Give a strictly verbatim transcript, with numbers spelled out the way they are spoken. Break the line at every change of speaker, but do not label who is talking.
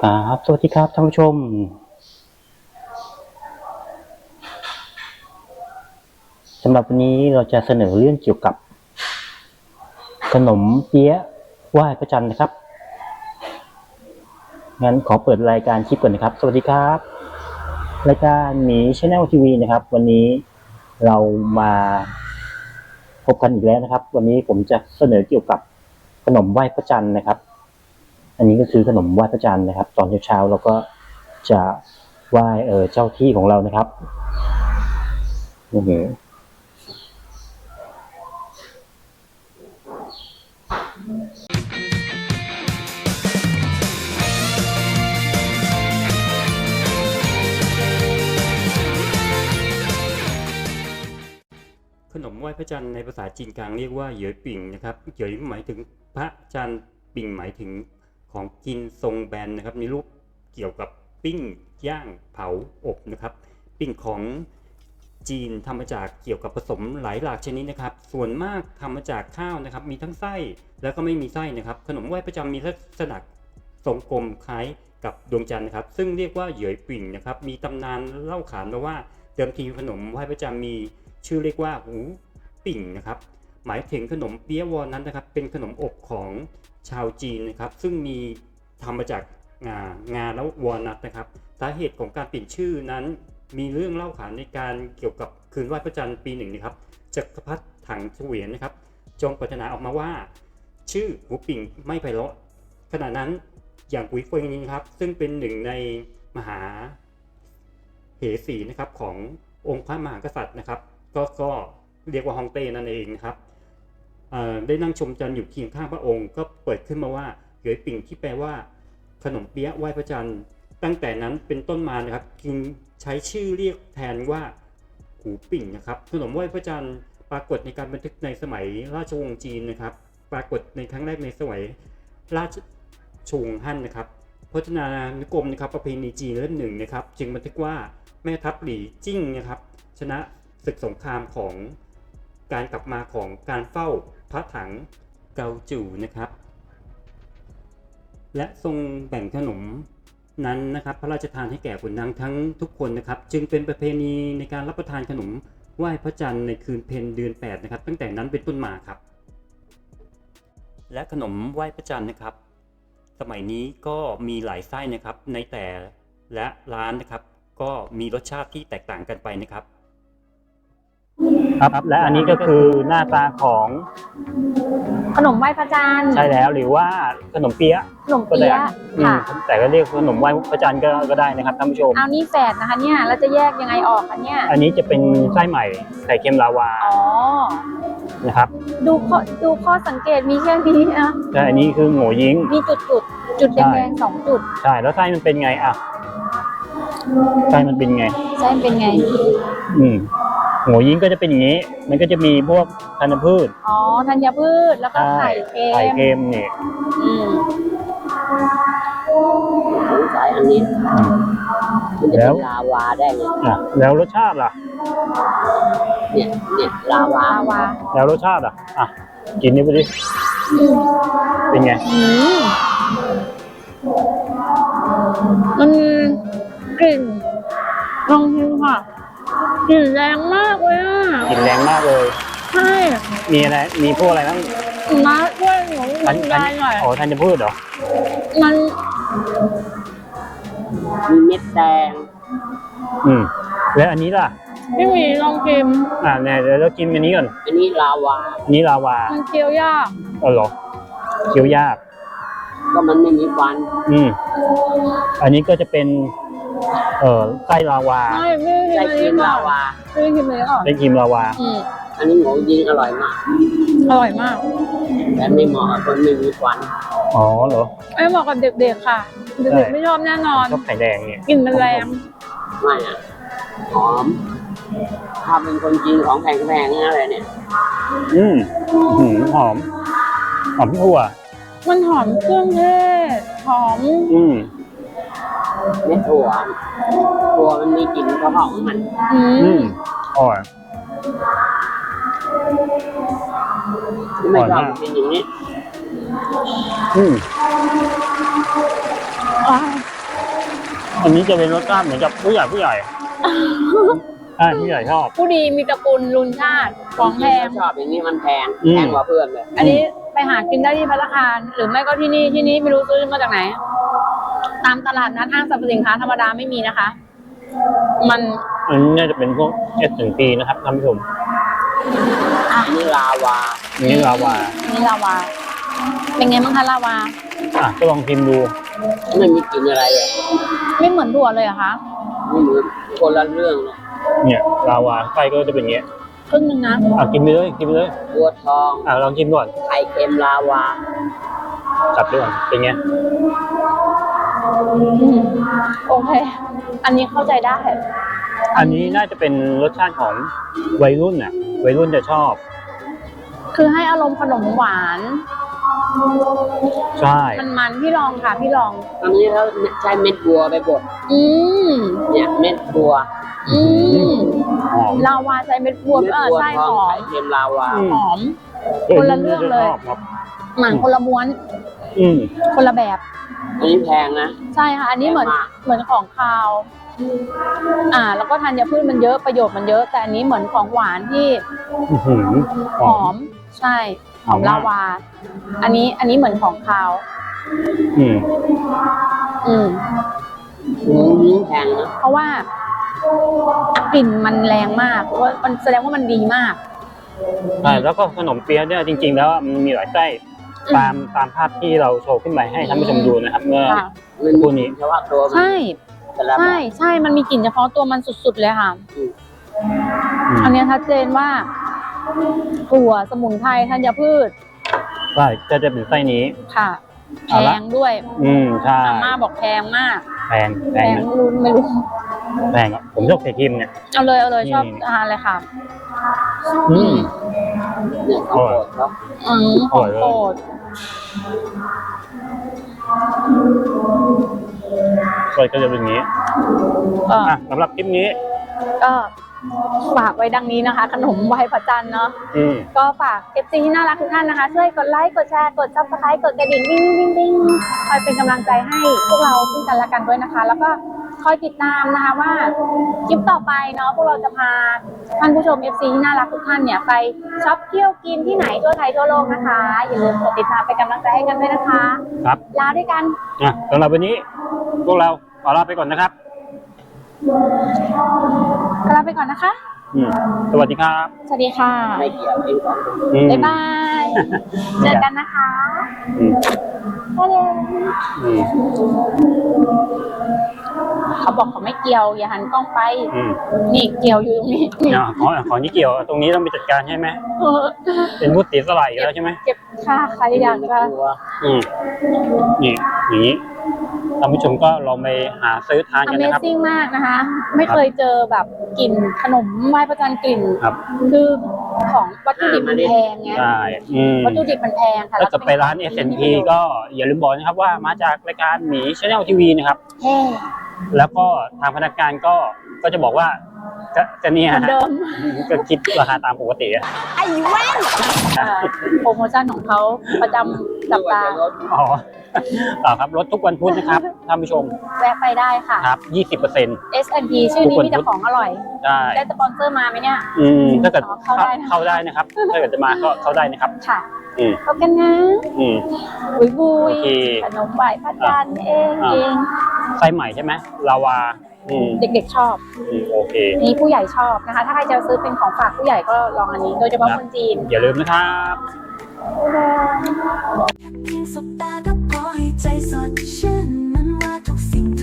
ครับสวัสดีครับท่านผู้ชมสำหรับวันนี้เราจะเสนอเรื่องเกี่ยวกับขนมเปี๊ยะไหว้พระจันทร์นะครับงั้นขอเปิดรายการคลิปก่อนนะครับสวัสดีครับรายการหมีชาแนลทีวีนะครับวันนี้เรามาพบกันอีกแล้วนะครับวันนี้ผมจะเสนอเกี่ยวกับขนมไหว้พระจันทร์นะครับอันนี้ก็คือขนมไหว้พระจันทร์นะครับตอนเช้าๆเราก็จะไหว้เออเจ้าที่ของเรานะครับนี่คือ
ขนมไหว้พระจันทร์ในภาษาจีนกลางเรียกว่าเหยยปิ่งนะครับเหยยหมายถึงพระจันทร์ปิ่งหมายถึงของกินทรงแบนนะครับมีรูปเกี่ยวกับปิ้งย่างเผาอบนะครับปิ้งของจีนทำมาจากเกี่ยวกับผสมหลายหลากชนิดนะครับส่วนมากทำมาจากข้าวนะครับมีทั้งไส้แล้วก็ไม่มีไส้นะครับขนมไหว้พระจันทร์มีลักษณะทรงกลมคล้ายกับดวงจันทร์นะครับซึ่งเรียกว่าเหยยปิ่งนะครับมีตำนานเล่าขานมาว่าเดิมทีขนมไหว้พระจันทร์มีชื่อเรียกว่าหูปิ่งนะครับหมายถึงขนมเปี๊ยะวอลนัทนะครับเป็นขนมอบของชาวจีนนะครับซึ่งมีทำมาจากงางาแล้ววอลนัทนะครับสาเหตุของการเปลี่ยนชื่อนั้นมีเรื่องเล่าขานในการเกี่ยวกับคืนไหว้พระจันทร์ปีหนึ่งนะครับจักรพรรดิถังเฉวียนนะครับจงปรารถนาออกมาว่าชื่อหูปิ่งไม่ไพเราะขณะนั้นอย่างกุยเฟิงนี้ครับซึ่งเป็นหนึ่งในมหาเหสีนะครับขององค์พระมหากษัตริย์นะครับก็ก็เรียกว่าฮองเต้นั่นเองนะครับได้นั่งชมจันทร์อยู่เคียงข้างพระองค์ก็เปิดขึ้นมาว่าเหยยปิ่งที่แปลว่าขนมเปี๊ยะไหว้พระจันทร์ตั้งแต่นั้นเป็นต้นมานะครับจึงใช้ชื่อเรียกแทนว่าหูปิ่งนะครับขนมไหว้พระจันทร์ปรากฏในการบันทึกในสมัยราชวงศ์จีนนะครับปรากฏในครั้งแรกในสมัยราชชวงศ์ฮั่นนะครับพจนานุกรมนะครับประเพณีจีนเล่มหนึ่งนะครับจึงบันทึกว่าแม่ทัพหลี่จิ้งนะครับชนะศึกสงครามของการกลับมาของการเฝ้าพระถังเกาจู่นะครับและทรงแบ่งขนมนั้นนะครับพระราชทานให้แก่ขุนนางทั้งทุกคนนะครับจึงเป็นประเพณีในการรับประทานขนมไหว้พระจันทร์ในคืนเพ็ญเดือนแปดนะครับตั้งแต่นั้นเป็นต้นมาครับและขนมไหว้พระจันทร์นะครับสมัยนี้ก็มีหลายไส้นะครับในแต่และร้านนะครับก็มีรสชาติที่แตกต่างกันไปนะครับ
ครับและอันนี้ก็คือหน้าตาของ
ขนมไหว้พระจันทร์
ใช่แล้วหรือว่าขนมเปี๊ยะ
ขนมเปี๊ยะค่ะ
แต่ก็เรียกขนมไหว้พระจันทร์ก็ก็ได้นะครับท่านผู้ชม
เอานี่แฝดนะคะเนี่ยเราจะแยกยังไงออกคะเนี่ย
อันนี้จะเป็นไส้ใหม่ไข่เค็มลาวา
อ๋อ
นะครับ
ดูข้อดูข้อสังเกตมีแค่นี้นะ
แต่อันนี้คือโง่ยิง
มีจุดจุดจุดแดงๆสองจุด
ใช่แล้วไส้มันเป็นไงอ่ะไส้มันเป็นไง
ไส้เป็นไง
อืมโง่ยิงก็จะเป็นอย่างนี้มันก็จะมีพวกธัญพืช
อ๋อธัญพืชแล้วก็ไข่เค็ม
ไข่เค็มนี่
อืม
สงสัยอันนี้มันจะเป็นลาวาได้ไง
อ่ะแล้วรสชาติล่ะ
เนี่ยเนี่ยลาวา
ลาวา
แล้วรสชาติอ่ะอ่ะกินนี่ไปดิเป็นไง
มันกลิ่นลองชิมค่ะกลิ่นแรงมากเลยอ่ะ
กลิ่นแรงมากเลย
ใช่
มีอะไรมีพวกอะไรบ้าง
มาช่วยหนูบรรยายหน่อย
อ๋อธัญพืชเหรอ
มัน
มีเม็ดแดง
อืมแล้วอันนี้ล่ะ
ไม่มีลองชิม
อ่าเนี่ยเดี๋ยวเรากินอันนี้ก่อน
อันนี้ลาวา
อันนี้ลาวา
มันเคี้ยวยาก
อ๋อเหรอเคี้ยวยาก
ก็มันไม่มีฟัน
อืมอันนี้ก็จะเป็นเอ่อไส้ลาวา
ใช่ไม่
ไส้ครีมลาวา
ไม่ครีมเลยอ่ะ
ไส้ครีมลาวา
อืม
อันนี้หมูยิงอร่อยมาก
อร่อยมาก
แต่ไม่เหมาะกับคนไม่มีฟัน
อ๋อเหรอ
ไม่เหมาะกับเด็กๆค่ะเด็กๆไม่ชอบแน่นอน
ชอบไข่แดงเนี่ย
กลิ่นมันแรง
ไม่อ่ะหอมถ้าเป็นคนจีนของแพงๆอะไรเนี่ย
อืมหืมหอมหอมถั่ว
มันหอมเครื่องเทศหอม
อืม
เม็ดถั่วถั่วมันมีกลิ่นเฉพาะของมัน
อืมอร่อย
ไม่ชอบเป็นอย่างนี้
อืม
อ๋อ
อันนี้จะเป็นรสชาติเหมือนกับผู้ใหญ่ผู้ใหญ่ ใช่ผู้ใหญ่ชอบ
ผู้ดีมีตระกูลลุนชาติของแพง
ชอบอย่างนี้มันแพง
อืม
แพงกว่าเพื่อนเลย
อันนี้ไปหากินได้ที่ภัตตาคารหรือไม่ก็ที่นี่ที่นี่ไม่รู้ซื้อมาจากไหน ตามตลาดนัดห้างสรรพสินค้าธรรมดาไม่มีนะคะ มัน
อันนี้น่าจะเป็นพวกเอสถึงปีนะครับท่านผู้ชม
อันนี้ลาวา
อันนี้ลาวา
นี่ลาวา เป็นไงบ้างคะลาวา
อ่ะก็ลองชิมดู
ไม่มีกลิ่นอะไรเลย
ไม่เหมือนถั่วเลยเหรอะคะ
ไม่เหมือนคนละเรื่องเลย
เนี่ยลาวาไส้ก็จะเป็นอย่างเงี้ย
ครึ่งหนึ่งนะ
อ่ะกินไปเลยกินไปเลย
บัวทอง
อ่ะลองชิมก่อน
ไข่เค็มลาวา
จับด้วยก่อนเป็นไง
อืมโอเค อันนี้เข้าใจได้
อันนี้น่าจะเป็นรสชาติของวัยรุ่นน่ะวัยรุ่นจะชอบ
คือให้อารมณ์ขนมหวาน
ใช่
มันมันๆพี่ลองค่ะ พี่ลอง
อันนี้เขาใช้เม็ดบัวไปบด
อืม
เนี่ยเม็ดบัว
อืม
หอม
ลาวาใช้เม็ดบัว
เม็ด
เออ
บัว
ใช่
ทอง
หอม
ไข่เค็มลาวา
อืม
หอม คนละเรื่องเลย
ชบครับ
หนังคนละม้วน
อืม
คนละแบบ
อันนี้แพงนะ
ใช่ค่ะ อันนี้เหมือน
แพงมาก
เหมือนของคาว อ่า แล้วก็ธัญพืชมันเยอะประโยชน์มันเยอะ แต่อันนี้เหมือนของหวานที่
อื้อหือ
หอม ใช่ หอม
หอมมาก
ลาวา อันนี้ อันนี้เหมือนของคาว
อืม
อืม
อืมแพงนะ
เพราะว่ากลิ่นมันแรงมากเพราะว่ามันแสดงว่ามันดีมาก
ใช่แล้วก็ขนมเปี๊ยะเนี่ยจริง ๆ แล้วมันมีหลายไส้
อืม
ตามตามภาพที่เราโชว์ขึ้นไปให้ท่านผู้ชมดูนะครับ เมื่อ
ค่ะ
มัน
คู่นี้
เฉพาะตัวมัน
ใช่
แต่ละแบ
ใช่
บ
ใช่มันมีกลิ่นเฉพาะตัวมันสุดๆเลยค่ะ
อืม
อันเนี้ยชัดเจนว่าถั่วสมุนไพรธัญพืช
ใช่ก็จะเป็นไส้นี้
ค่ะ แพ
เอาละ
งด้วย
อืมใช่
อาม่าบอกแพงมาก
แพงแพ
แพ
ง
ง
นะ
ไม่รู้ไม่รู้
แพงอ่ะผมชอบไข่เค็มเนี่ย
เอาเลยเอาเลย
นี่
ชอบทานเลยค่ะ
อืม
เนี่ยของโปรดเขา
อืมของโปรด
ก็จะเป็นอย่างนี้
ก็
อ่ะสำหรับคลิปนี้
ก็ฝากไว้ดังนี้นะคะ ขนมไหว้พระจันทร์เนาะ
อืม
ก็ฝาก เอฟ ซี ที่น่ารักทุกท่านนะคะ ช่วยกดไลค์ กดแชร์ กด ซับสไครบ์ กดกระดิ่งดิ้งดิ้งดิ้งคอยเป็นกำลังใจให้พวกเราซึ่งกันและกันด้วยนะคะ แล้วก็คอยติดตามนะคะว่าคลิปต่อไปเนาะพวกเราจะพาท่านผู้ชม เอฟ ซี ที่น่ารักทุกท่านเนี่ยไปช็อปเที่ยวกินที่ไหนทั่วไทยทั่วโลกนะคะ อย่าลืมกดติดตามเป็นกำลังใจให้กันด้วยนะคะ
ครับ
ลาด้วยกัน
อ่ะสำหรับวันนี้ พวกเราขอลาไปก่อนนะครับ
ลาไปก่อนนะคะ
อืมสวัสดีครับ
สวัสดีค่ะ
ไม่เกี่ยวเองของ
อืม
บ๊ายบาย เจอกันนะคะ
อืม
บ๊ายบาย
อืม
เขาบอกเขาไม่เกี่ยว อย่าหันกล้องไป
อืม
นี่เกี่ยวอยู่ตรงนี้นี่
อ่ะขอขอนี่เกี่ยวตรงนี้ต้องไปจัดการใช่ไหม
เออ
เป็นมุดสีสลายอีกแล้วใช่ไหม
เก็บค่าใครอยากจะ
ตัว
อืมนี่อย่างนี้ท่านผู้ชมก็ลองไปหาซื้อทานกันนะครับ
Amazing มากนะคะ ไม่เคยเจอแบบกลิ่นขนมไหว้พระจันทร์กลิ่น
ครับ
คือของวัตถุดิบมันแพงไง
ใช่อืม
วัตถุดิบมันแพงค่ะ
ถ้าจะไปร้าน เอส เอ็น พี ก็อย่าลืมบอกนะครับว่ามาจากรายการหมี Channel ที วี นะครับ
แพง
แล้วก็ทางพนักงานก็ก็จะบอกว่าจะจะเนี่ย
เหมือน
ฮะ
เดิม
ก็คิดราคาตามปกติอะ
เอ่อโปรโมชั่นของเขาประจำสัปดาห์
อ๋อต่อครับรถทุกวันพุธนะครับท่านผู้ชม
แวะไปได้ค่ะ
ครับ ยี่สิบเปอร์เซ็นต์
เอส แอนด์ พี ชื่อนี้มีแต่ของอร่อย
ได้
ได้สปอนเซอร์มาไหมเนี่ย
อืมถ้าเกิด
อ๋อเข้าได้นะ
เข้าได้นะครับ ถ้าเกิดจะมาก็เข้าได้นะครับ
ค่ะ
อืม
พบกันนะ
อืม
บุยบุย
โอเค
ขนมไหวพระจันทร์เอง
อ่า
เอง
ไส้ใหม่ใช่ไหมลาวา อืม
เด็กๆชอบ
อืมโอเค
นี่ผู้ใหญ่ชอบนะคะ ถ้าใครจะซื้อเป็นของฝากผู้ใหญ่ก็ลองอันนี้ โดยเฉพาะคนจีน
อย่าลืมนะครับ
เพียงสบตาก็พอให้ใจสดชื่นมันว่าทุกสิ่ง